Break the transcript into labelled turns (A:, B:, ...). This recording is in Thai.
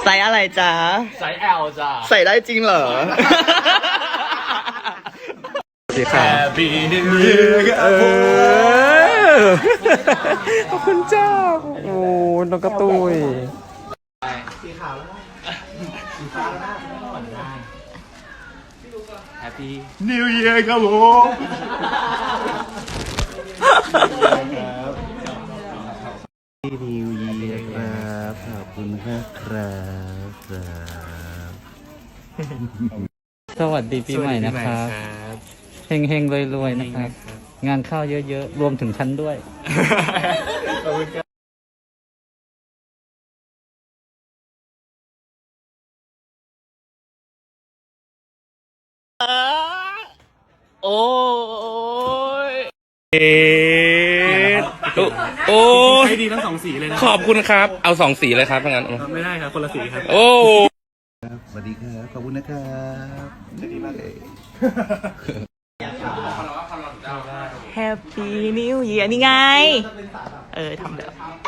A: ไซส์อะไรจ๊ะ
B: ไซส์ L จ้ะ
A: ใส่ได้จริงเหรอ สวัสดีครับ
B: Happy New Year
A: ขอบคุณเจ้า โอ้น้องกระตุย
B: สีขาวแล้วนะสีฟ้าแล้วนะไม่ต้องหวั่นได้ Happy New Year ครับผม
A: นิวเยียร์ครับขอบคุณครับ
C: สวัสดีปีใหม่นะครับเฮงๆรวยๆนะครับ งานเข้าเยอะๆ รวมถึงฉันด้วย
A: โอ้ยโอ้
B: ใช้ดีทั้งสองสีเลยนะ
A: ขอบคุณครับ เอา2 สีเลยครับงั้น
B: ไม่ได้ครับคนละสีครับ
A: โอ้
D: สวัสดีครับ ขอบคุณนะครับดีมากเลย
A: Happy New Year นี่ไง ทำแบบ